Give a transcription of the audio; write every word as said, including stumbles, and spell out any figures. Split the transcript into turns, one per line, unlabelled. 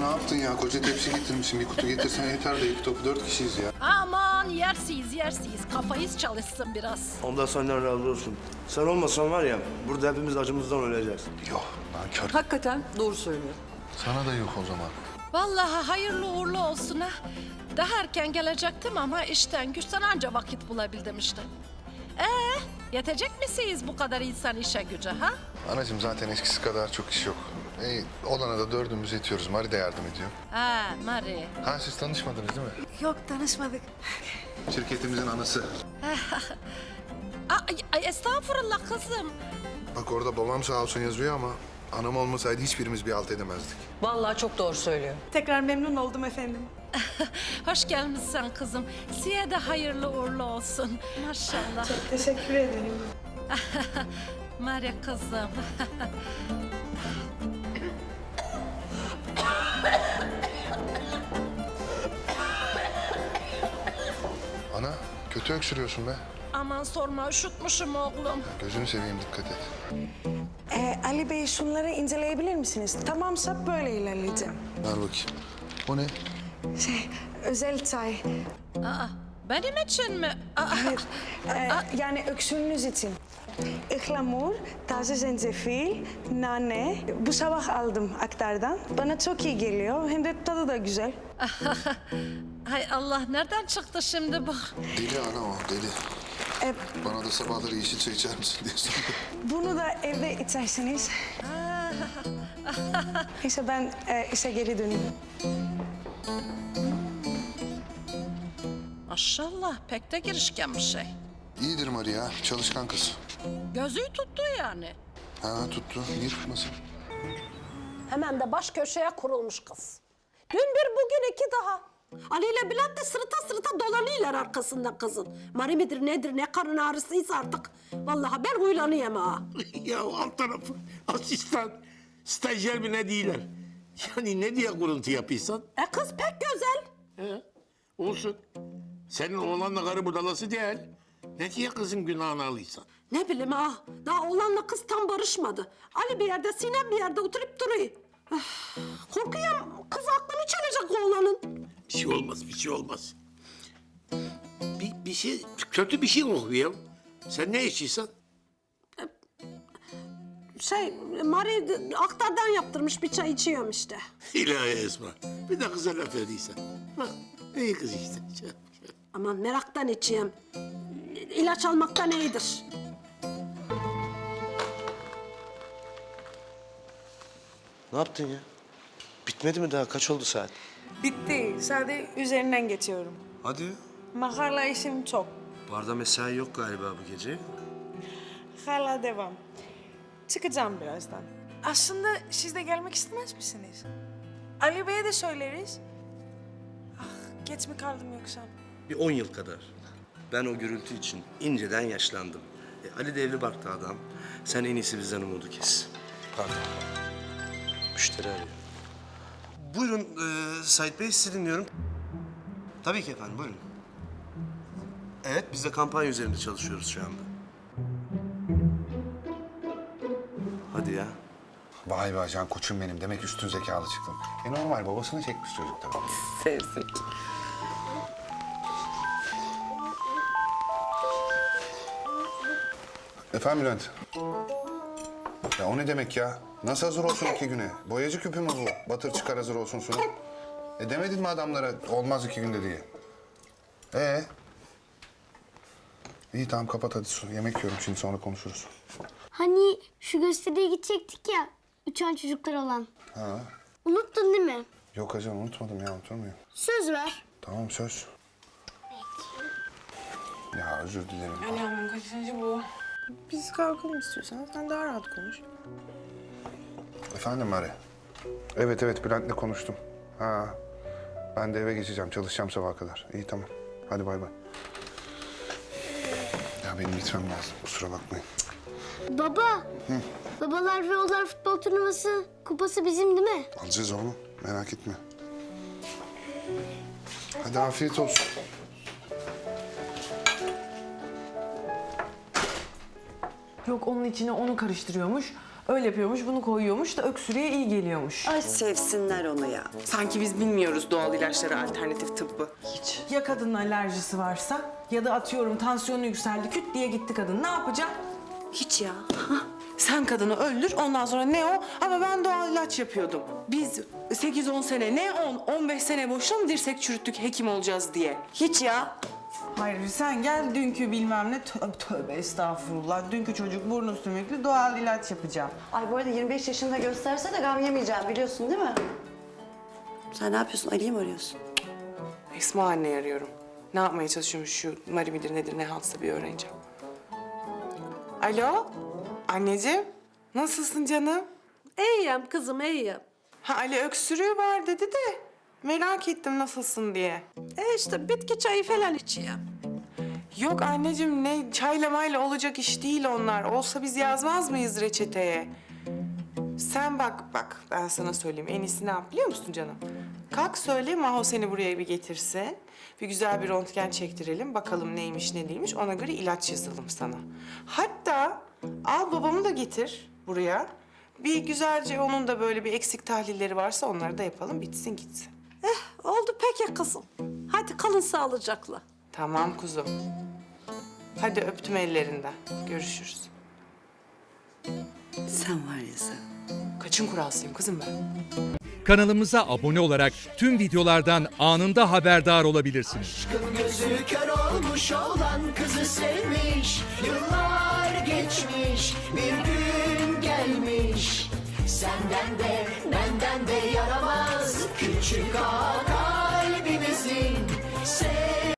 yaptın ya? Koca tepsi getirmişsin. Bir kutu getirsen yeter de iki topu dört kişiyiz ya.
Aman yersiz yersiz. Kafayız çalışsın biraz.
Ondan senden razı olsun. Sen olmasan var ya, burada hepimiz acımızdan öleceğiz.
Yok lan kör.
Hakikaten doğru söylüyor.
Sana da yok o zaman.
Vallahi hayırlı uğurlu olsun ha. Daha erken gelecektim ama işten güçten anca vakit bulabildim işte. Ee, yetecek misiniz bu kadar insan işe güce ha?
Anacığım zaten eskisi kadar çok iş yok. E, olana da dördümüz yetiyoruz. Mari de yardım ediyor.
Ha, Mari.
Ha siz tanışmadınız değil mi?
Yok tanışmadık.
Şirketimizin anası.
Ay, ay, estağfurullah kızım.
Bak orada babam sağ olsun yazıyor ama anam olmasaydı hiçbirimiz bir alt edemezdik.
Vallahi çok doğru söylüyor.
Tekrar memnun oldum efendim.
Hoş gelmişsin kızım. Size de hayırlı uğurlu olsun. Maşallah.
Teşekkür ederim.
Mari kızım.
Ana kötü öksürüyorsun be.
Aman sorma üşütmüşüm oğlum.
Gözünü seveyim dikkat et.
Ee, Ali Bey şunları inceleyebilir misiniz? Tamamsa böyle ilerleyeceğim.
Ver bakayım. O ne?
Şey, özel çay.
Aa, benim için mi? Aa,
Hayır, ee, yani öksürüğünüz için. Ihlamur, taze zencefil, nane. Bu sabah aldım aktardan. Bana çok iyi geliyor. Hem de tadı da güzel.
hay Allah nereden çıktı şimdi bu?
Deli ana o deli.
Ee,
Bana da sabahları yeşil çay içer misin diye sordu.
bunu da evde içersiniz. Neyse ben e, işe geri döneyim.
Maşallah pek de girişken bir şey.
İyidir Mari ya. Çalışkan kız.
Gözü tuttu yani.
Ha tuttu. Niye tutmasın?
Hemen de baş köşeye kurulmuş kız. Dün bir bugün iki daha. Ali ile Bülent de sırıta sırıta dolanıyorlar arkasında kızın. Mari midir nedir ne karın ağrısıysa artık. Vallahi ben huylanıyorum ha.
Ya alt tarafı asistan, stajyer mi ne değiller. Yani ne diye kuruntu yapıyorsan?
E kız pek güzel.
He, olsun. Senin oğlanla karı budalası değil. Ne diye kızın günahını alıysan?
Ne bileyim ha. Daha oğlanla kız tam barışmadı. Ali bir yerde Sinem bir yerde oturup duruyor. Öf, korkuyorum kız aklını çalacak oğlanın.
Bir şey olmaz, bir şey olmaz. Bir, bir şey, kötü bir şey kokuyor. Sen ne içiyorsan?
Şey Mari aktardan yaptırmış bir çay içiyorum işte.
İlahi Esma. Bir de kıza laf ediysen. Ha, iyi kız işte.
Aman meraktan içeyim. İlaç almaktan iyidir.
Ne yaptın ya? Bitmedi mi daha? Kaç oldu saat?
Bitti. Sadece üzerinden geçiyorum.
Hadi.
Makarla işim çok.
Barda mesai yok galiba bu gece.
Hala devam. Çıkacağım birazdan. Aslında siz de gelmek istemez misiniz? Ali Bey'e de söyleriz. Ah, geç mi kaldım yoksa?
Bir on yıl kadar. Ben o gürültü için inceden yaşlandım. E, Ali de evli barklı adam. Sen en iyisi bizden umudu kes. Pardon. Müşteri arıyor. Buyurun e, Sait Bey, sizi dinliyorum. Tabii ki efendim, buyurun. Evet, biz de kampanya üzerinde çalışıyoruz şu anda. Hadi ya.
Vay be ajan koçum benim. Demek üstün zekalı çıktın. E normal babasını çekmiş çocuk tabii.
Sevsek.
Efendim Bülent? Ya o ne demek ya? Nasıl hazır olsun iki güne? Boyacı küpü mü bu? Batır çıkar hazır olsun sunum. E demedin mi adamlara olmaz iki günde diye? Ee? İyi tamam kapat hadi su. Yemek yiyorum şimdi sonra konuşuruz.
Hani şu gösteriye gidecektik ya, uçan çocuklar olan.
Ha?
Unuttun değil mi?
Yok ajan unutmadım ya unutur muyum?
Söz ver.
Tamam söz. Ya özür dilerim.
Ali Hanım kaçıncı bu? Biz kalkalım istiyorsan. Sen daha rahat konuş.
Efendim Mari? Evet evet Bülent'le konuştum. Ha. Ben de eve geçeceğim. Çalışacağım sabaha kadar. İyi tamam. Hadi bay bay. Ya benim gitmem lazım. Kusura bakmayın.
Baba. Hı. Babalar ve Oğullar futbol turnuvası kupası bizim değil mi?
Alacağız oğlum. Merak etme. Hadi afiyet olsun.
Yok onun içine onu karıştırıyormuş. Öyle yapıyormuş, bunu koyuyormuş da öksürüğe iyi geliyormuş.
Ay sevsinler onu ya.
Sanki biz bilmiyoruz doğal ilaçları, alternatif tıbbı.
Hiç.
Ya kadının alerjisi varsa ya da atıyorum tansiyonu yükseldi, küt diye gitti kadın. Ne yapacak?
Hiç ya.
Sen kadını öldür, ondan sonra ne o? Ama ben doğal ilaç yapıyordum. Biz sekiz on sene, ne on, on beş sene boşuna mı dirsek çürüttük hekim olacağız diye?
Hiç ya.
Hayır, sen gel dünkü bilmem ne, tövbe, tövbe estağfurullah. Dünkü çocuk burnu sümüklü, doğal ilaç yapacağım.
Ay bu arada yirmi beş yaşında gösterse de gam yemeyeceğim biliyorsun değil mi? Sen ne yapıyorsun? Ali'yi mi arıyorsun?
Esma anneyi arıyorum. Ne yapmaya çalışıyormuş şu Mari midir nedir ne haltsa bir öğreneceğim. Alo, anneciğim. Nasılsın canım?
İyiyim kızım iyiyim.
Ha Ali öksürüğü var dedi de merak ettim nasılsın diye.
E işte bitki çayı falan içiyorum.
Yok anneciğim ne çayla mayla olacak iş değil onlar. Olsa biz yazmaz mıyız reçeteye? Sen bak bak ben sana söyleyeyim en iyisi ne yap biliyor musun canım? Kalk söyle Maho seni buraya bir getirsin. Bir güzel bir röntgen çektirelim bakalım neymiş ne değilmiş ona göre ilaç yazalım sana. Hatta al babamı da getir buraya. Bir güzelce onun da böyle bir eksik tahlilleri varsa onları da yapalım bitsin gitsin.
Eh oldu peki kızım. Hadi kalın sağlıcakla.
Tamam kuzum. Hadi öptüm ellerinden. Görüşürüz.
Sen var ya sen.
Kaçın kuralsıyım kızım ben.
Kanalımıza abone olarak tüm videolardan anında haberdar olabilirsiniz.
Gözü kör olmuş olan kızı sevmiş. Yıllar geçmiş, bir gün gelmiş. Senden de benden de yaramaz küçük ağa.